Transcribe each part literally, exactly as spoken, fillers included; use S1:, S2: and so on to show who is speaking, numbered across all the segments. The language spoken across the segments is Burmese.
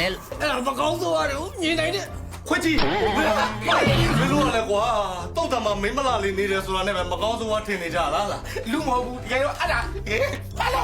S1: လဲအဲ့ဒါမကောင်းဆိုရတယ်မြင်နိုင်တဲ့
S2: ခွကြီးဘယ်လိုလဲကွာတုတ်တံမှာမင်းမလာလေးနေတယ်ဆိုတာနဲ့ပဲမကောင်းဆုံးဝါထင်နေကြလားလားလူမဟုတ်ဘူးတကယ်တော့အဲ့ဒါဟဲ့ပါလာ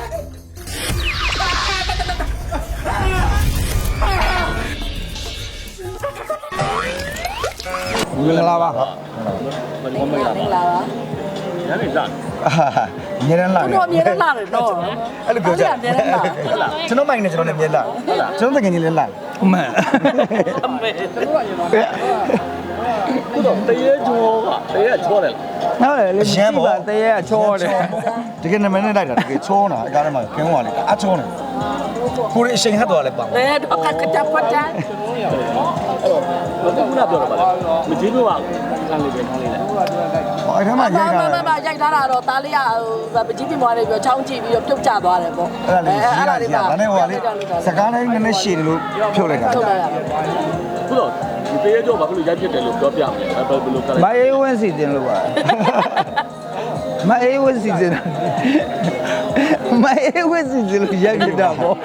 S3: မင်္ဂလာပါ
S4: မင်္ဂလာပါ
S3: ညနေလာညနေလာ
S4: တော့မြေလာတယ်တော့
S3: အဲ့လိုပြောကြကျွန်တော်မိုင်းနေကျွန်တော်လည်းမြေလာကျွန်တော်တကယ်ကြီးလည်းလာအမှန်
S4: အမေ
S3: ခုတော့တရေချောကတရေချောတယ်ဟုတ်တယ်လေရှမ်းပါတရေချောတယ်တကယ်နာမည်နဲ့လိုက်တာတကယ်ချောတာအကားထဲမှာခင်းသွားလေအချောတယ်ကိုရအချိန်ဟတ်သွားလဲပါ
S4: ဘယ်တော့ကကြပတ်ကြ
S3: အဲ့တော့ဘယ်ကမှပြောတော့ပါမကြီးလို့ကခံလေးပဲခံလေးလဲဟောအဲ့ထမ်းမှာရိုက်တာ
S4: မမရိုက်ထားတာတော့သားလေးကပကြီးပြင်းသွားတယ်ပြီးတော့ချောင်းကြည့်ပြီးတော့ပြုတ်ကျသွားတယ်ပေါ့
S3: အဲ့ဒါလေးရေးတာလေးဒါနဲ့ဟိုကလေစကားလေးနည်းနည်းရှည်တယ်လို့ဖြုတ်လိုက်တာ
S4: ဖြုတ်လိုက်တာ
S3: ခုတော့ဒီတေးကြောဘာလို့ရိုက်ဖြစ်တယ်လို့ပြောပြမယ်ဘယ်လိုကလဲမအေးဝင်းစီတင်လို့ပါမအေးဝင်းစီတင်မအေးဝင်းစီတင်လို့ရိုက်ဖြစ်တာပေါ့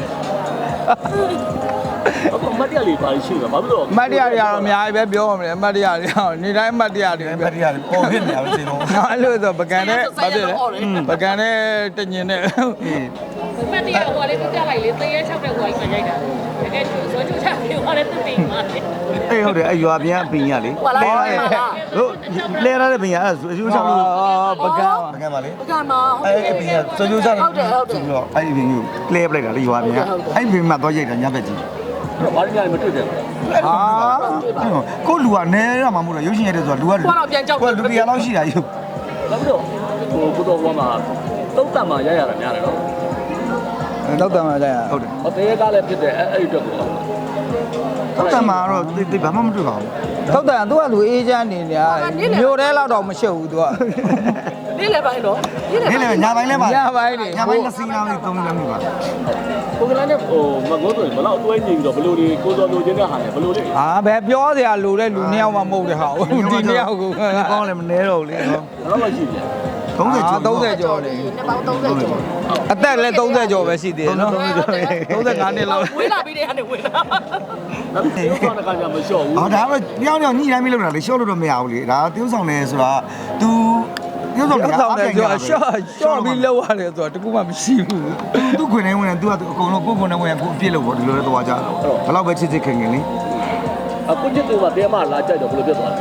S3: အခုမတ်တရားလေးပါရှိမှာဘာလို့မတ်တရားတွေကတော့အများကြီးပဲပြောမှာမလဲမတ်တရားတွေကတော့နေတိုင်းမတ်တရားတွေမတ်တရားတွေပေါ်ဖြစ်နေရပဲစေတော့အဲ့လိုဆိုပကံနဲ့ဘာဖြစ်လဲပကံနဲ့တညင်နဲ့
S5: မတ်တရားဟိုလေးသူကြလိုက်လေသေရဲ၆တဲ့ဟိုကြီးမှရိုက်တာတကယ်သူဆိုချူချပြီးဟိုလေးသူပြီးမှလေ
S3: အေးဟုတ်တယ်အဲ့ရွာပြန်ပင်ရလေလဲတို့လဲရတဲ့ပင်ရအဲ့ဆိုအကျိုးဆောင်လို့ပကံပကံပါလေ
S4: ပကံမှာ
S3: အဲ့ပင်ရဆိုကျိုးဆောင်ဟုတ်တယ်ဟုတ်တယ်ဆိုတော့အဲ့ဒီပင်ကိုလဲပလိုက်တာလေရွာပြန်အဲ့ပင်မှာတော့ရိုက်တာညဘက်ကြီးဘာလို့ညမတွေ့တယ်ဟာကိုလူကနေရမှာမဟုတ်လားရုပ်ရှင်ရတဲ့ဆိုတာလူက
S4: ကိုတော့ပြန်ကြောက်
S3: ကိုလူတရားလောက်ရှိတာယူဘာလို့ဟိုကိုတော့ဘွားမှာတုတ်တံမှာရရတာများတယ်နော်တုတ်တံမှာရရဟုတ်တယ်ဟောတရေကားလည်းဖြစ်တယ်အဲ့အဲ့အတွက်ကိုတုတ်တံမှာတော့တိတ်ဘာမှမတွေ့ပါဘူးတုတ်တံသူကလူအေးချမ်းနေနေမြို့ထဲလောက်တော့မရှုပ်ဘူးသူက
S4: နေ့လည်းပိုင်းတော့
S3: နေ့လည်းညာပိုင်းလည်းပါညာပိုင်းနေညာပိုင်းနှစ်စီးလောက်သုံးလုံးမျိုးပါ
S6: ကိုကလည်းဟိုမကုန်းဆိုရင်ဘလောက်တွဲနေပြီးတော့ဘလို့ဒီကိုစောလိုချင်တဲ့ဟာနဲ့ဘလို့လေ
S3: ဟာဘယ်ပြောစရာလိုတဲ့လူနှစ်ယောက်မှမဟုတ်တဲ့ဟာဒီနှစ်ယောက်ကိုကောင်းလည်းမနှဲတော့ဘူးလေနော်
S6: ဘယ်လောက်ရှိပြန်
S3: သုံးဆယ်ကျော်သုံးဆယ်ကျော်နေ
S4: နှစ်ပေါင်းသုံးဆယ်ကျော်
S3: အသက်လည်းသုံးဆယ်ကျော်ပဲရှိသေးတယ်နော်သုံးဆယ်ငါးနှစ်လောက်
S4: ဝေးလာပြီးတဲ့ကနေဝေးလာ
S6: နောက်တစ်ခါကကြာမလျှော့ဘူး
S3: ဟောဒါမှညောင်းညောင်းညှိတိုင်းမလုပ်တာလေလျှော့လို့တော့မရဘူးလေဒါtiêuဆောင်နေဆိုတာ तू tiêuဆောင်နေအပြင်ကျော်ရှော့ရှော့ပြီးလောက်ရတယ်ဆိုတာတကူမှမရှိဘူးသူ့ခွင်နေဝင်တယ် तू ကအကုန်လုံးကိုယ်ခွင်နေဝင်ကိုအပြစ်လို့ပေါ့ဒီလိုလဲသွားကြတာဘယ်လောက်ပဲချစ်ချစ်ခင်ခင်လေ
S6: အခုချစ်သူကတဲမလာကြိုက်တော့ဘယ်လိုဖြစ်သွားလဲ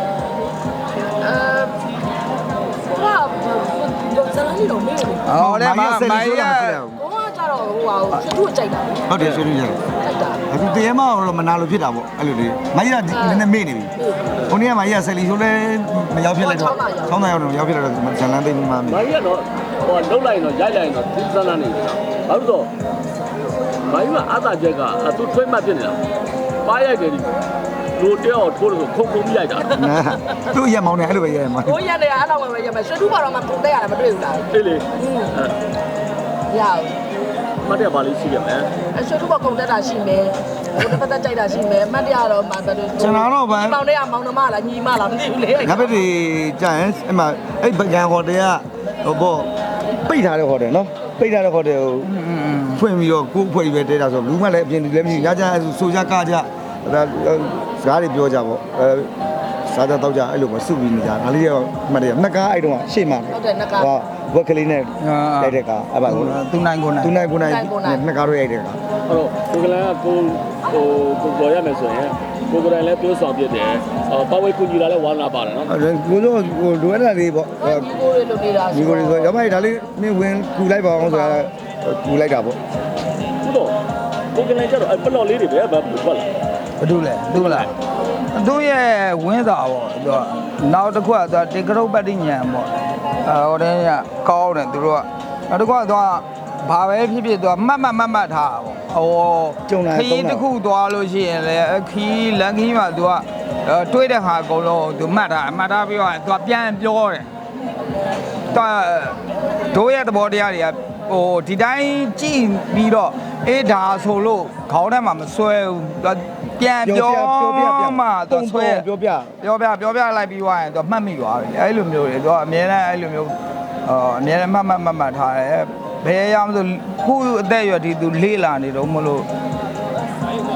S4: အဲဟာဇာတ်ကြီးတော့မေးတယ်
S3: ဟောလေမမိုင်းရ
S4: ဘောကကြတော့ဟိုဟာဆွသူ့ကြိုက်တာ
S3: ဟုတ်တယ်ဆွသူ့ကြိုက်တာအခုတဲမတော့မနာလို့ဖြစ်တာပေါ့အဲ့လိုလေမိုင်းရနည်းနည်းမေ့နေပြီဟိုနေ့ကမိုင်းရဆယ်လီဆိုလဲမရောက်ဖြစ်လိုက်တော့ဆောင်းသားရောက်တော့ရောက်ဖြစ်လိုက်တော့ဇလန်သိမ်းမှမ
S6: မိုင်းရတော့ဟိုလှုပ်လိုက်တော့ရိုက်လိုက်တော့သန်းသန်းနေတယ်ဘာလို့တော့မိုင်းကအသာချက်ကသူ့ထွေးမှဖြစ်နေတာပါရိုက်တယ်ဒီလူတယောက်ထိုးလို့ခုံခုံပြရိုက်တာ
S3: သူ့ရက်မောင်းနေအဲ့လိုပဲရက်မောင်း
S4: ကိုရက်တယ်အဲ့တော့ပဲရက်မယ်ဆွသူ့ဘာတော့မှပုံတက်ရတယ်မတွေ့ဘူးလား
S6: အေးလေ
S4: ရအောင်
S6: မတ်ရပါလိမ့်ရှိရမယ်
S4: အဆွသူ့ဘာပုံတက်တာရှိမယ်ဟိုတစ်ဖက်တက်ကြိုက်တာရှိမယ်မတ်ရတော့မှဘယ်လို
S3: ကျွန်တော်တော့ဗန်း
S4: မောင်တွေကမောင်နှမလားညီမလားမသိဘူးလေ
S3: ငါဘက်တွေကြာရင်အဲ့မှာအဲ့ဗကန်ဟိုတယ်ကဟိုပေါ့ပိတ်ထားတဲ့ဟိုတယ်နော်ပိတ်ထားတဲ့ဟိုတယ်ကိုဖွင့်ပြီးတော့ကိုယ်ဖွဲ့ပြီးပဲတဲတာဆိုဘူးမှလည်းအပြင်လည်းမရှိညကြဆိုကြကကြဒါစကားတွေပြောကြပေါ့အဲစားကြတော့ကြအဲ့လိုပဲစုပြီးနေကြငါလေးရောမှတ်တယ်နှစ်ကားအဲ့တုန်းကရှေ့မှာ
S4: ဟုတ်တယ်နှစ်ကား
S3: ဟောဝက်ကလေးနဲ့ရိုက်တဲ့ကားအဲ့ပါသူနိုင်ကိုနိုင်သူနိုင်ကိုနိုင်နှစ်ကားတော့ရိုက်တဲ့ကား
S6: အဲ့တော့ကိုကလည်းကိုဟိုကိုပေါ်ရမယ်ဆိုရင်ကိုကလည်းပြောဆောင်ပြတယ်အော်ပဝေကူညီလာလဲဝါနာပါတယ်နော်
S3: ကိုတို့ဟိုလိုရတာလေးပေါ့
S4: ဒီကိုတွေလိုနေတာ
S3: ဒီကိုတွေဆိုရမိုက်ဒါလေးမင်းဝင်ကူလိုက်ပါအောင်ဆိုတာကူလိုက်တာပေါ့
S6: ဟုတ်တော့ကိုကလည်းကျတော့ပလော့လေးတွေပဲဘာထွက်လာ
S3: ဘာလို့လဲသူ့လားသူ့ရဲ့ဝင်းစာပေါ့သူကနောက်တစ်ခုကသူတေကရုပ်ပတ္တိညံပေါ့အဲဟိုတည်းကကောင်းတယ်သူတို့ကနောက်တစ်ခုကသူကဘာပဲဖြစ်ဖြစ်သူကမှတ်မှတ်မှတ်မှတ်ထားပေါ့ဟိုခီးတစ်ခုသွားလို့ရှိရင်လည်းခီးလမ်းခီးမှာသူကတွေးတဲ့ဟာအကုန်လုံးသူမှတ်ထားမှတ်ထားပြီးတော့သူကပြန်ပြောတယ်သူတို့ရဲ့သဘောတရားတွေကဟိုဒီတိုင်းကြည့်ပြီးတော့အေးဒါဆိုလို့ခေါင်းထဲမှာမဆွဲဘူးပြန်ပြောမှသူဆွဲပြောပြပြောပြပြောပြလိုက်ပြီးသွားရင်သူမှတ်မိသွားပြီအဲ့လိုမျိုးတွေသူကအများနဲ့အဲ့လိုမျိုးအာအများနဲ့မှတ်မှတ်မှတ်မှတ်ထားတယ်ဘယ်ရအောင်ဆိုခုအသက်အရွယ်ဒီသူလေးလာနေတော့မလို့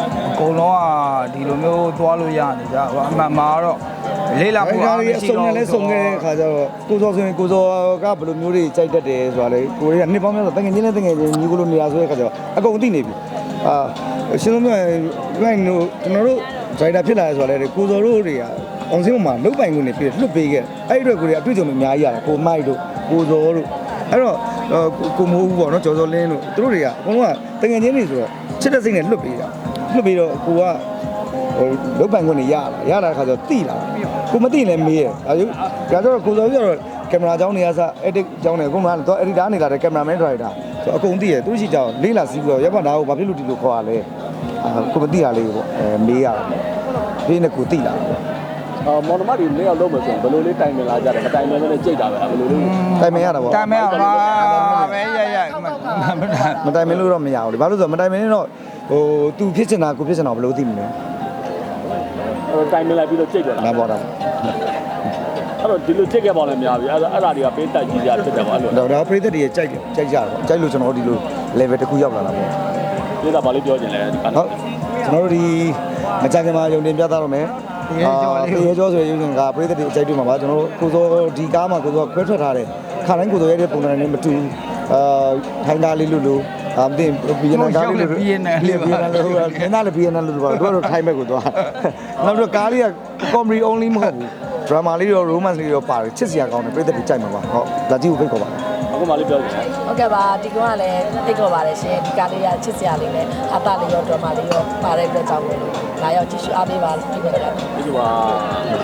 S3: ကုန်လုံးကဒီလိုမျိုးသွားလို့ရနေကြအမှန်မှာတော့လေးလာဖို့အားမရှိတော့ဘူးလဲဆုံးခဲ့တဲ့ခါကျတော့ကိုစောဆိုရင်ကိုစောကဘယ်လိုမျိုးတွေကြိုက်တတ်တယ်ဆိုတာလေကိုတွေကနှစ်ပေါင်းများစွာတငယ်ချင်းနဲ့တငယ်ချင်းညီကိုလိုနေရာဆိုတဲ့ခါကျတော့အကုန်သိနေပြီအာရှင်တို့မျိုးလိုက်တို့ကျွန်တော်တို့ဒရိုက်တာဖြစ်လာရဆိုတာလေကိုစောတို့တွေကအောင်စင်းမှာလုတ်ပိုင်ခွင့်နေပြီးလွတ်ပေးခဲ့အဲ့ဒီအတွက်ကိုတွေအတွေ့အကြုံတွေအများကြီးရတယ်ကိုမိုက်တို့ကိုစောတို့အဲ့တော့ကိုမိုးဦးပေါ့နော်ကျော်စောလင်းတို့သူတို့တွေကအကုန်လုံးကတငယ်ချင်းတွေဆိုတော့ချစ်တဲ့စိတ်နဲ့လွတ်ပေးတာလွတ်ပြီးတော့ကိုကလုတ်ပိုင်ခွင့်နေရလာရလာတဲ့ခါကျတော့တိလာကိုမသိလည်းမေးရဲ့ဒါကြောင့်ဒါကြောင့်ကိုစောကြီးကတော့ကင်မရာကြောင်းနေရစ edit ကြောင်းနေအကုန်လုံးကတော့ editor နေလာတဲ့ cameraman driver ဆိုအကုန်သိရဲ့သူရှိကြောင်းလေးလာစီးပြီးတော့ရပ်ပါဒါကိုဘာဖြစ်လို့ဒီလိုခေါ်ရလဲကိုမသိရလေးပေါ့အဲမေးရတယ်ဒီနေ့ကိုသိလာတယ်
S6: အော်မော်နမတွေလေးရောက်လုံးမယ်ဆိုရင်ဘယ်လိုလေးတိုင်ပင်လာကြတယ်မတိုင်ပင်လည်းကြိတ်တာပဲဘယ်လိုလေး
S3: တိုင်ပင်ရတာပေါ့တိုင်ပင်ရပါပဲရရမတိုင်ပင်လို့တော့မရဘူးလေဘာလို့ဆိုတော့မတိုင်ပင်ရင်တော့ဟိုသူဖြစ်ချင်တာကိုဖြစ်ချင်တာဘယ်လိုသိမလဲ
S6: အဲ့တိုင်ပင်လိုက်ပြီးတော့ကြိတ်တယ်
S3: လားပေါ့တော့
S6: အဲ့တော့ဒီလိုကြိတ်ခဲ့ပါလဲများပြီအဲ့ဒါအဲ့ဒါတွေကပေးတက်ကြီးကြဖြစ်တယ်ပေါ့အဲ့လို
S3: တော့ဒါပရိသတ်တွေကြိုက်တယ်ကြိုက်ကြတယ်ပေါ့ကြိုက်လို့ကျွန်တော်တို့ဒီလို level တစ်ခုရောက်လာတာပေါ့
S6: ဒီတာဘာလို့ပြောချင်လဲ
S3: ဟုတ်ကျွန်တော်တို့ဒီမကြခင်မှာယုံတင်ပြသတော့မယ်ရေကျော်လေးရေကျော်ဆိုရင်ကပရိသတ်တွေအကြိုက်တွေ့မှာပါကျွန်တော်တို့ကိုစောဒီကားမှာကိုစောခွဲထွက်ထားတယ်ခါတိုင်းကိုစောရဲ့ပုံစံနဲ့မတူအာထိုင်းကားလေးလို့လို့အမတင်ဘီယန်ကားလေးလို့ဘီယန်နယ်လေးဘီယန်နယ်လို့ခင်းသားလေးဘီယန်နယ်လို့ပါတို့တော့ထိုင်းမဲ့ကိုသွားနောက်တော့ကားလေးက comedy only မဟုတ်ဘူး drama လေးရော romance လေးရောပါတယ်ချစ်စရာကောင်းတယ်ပရိသတ်တွေကြိုက်မှာပါဟုတ်လာကြည့်ဖို့ဖိတ်ခေါ်ပါတယ်
S6: အခုမှလေးပြောချင်တယ်
S4: ဟုတ်ကဲ့ပါဒီကောင်ကလည်းဖိတ်ခေါ်ပါတယ်ရှင်ဒီကားလေးကချစ်စရာလေးနဲ့အသားလေးရော drama လေးရောပါတဲ့အတွက်ကြောင့်လာရောက်ကြည့်ရှုအားပေးပါလို့ပြောပါတယ်
S6: ဒီက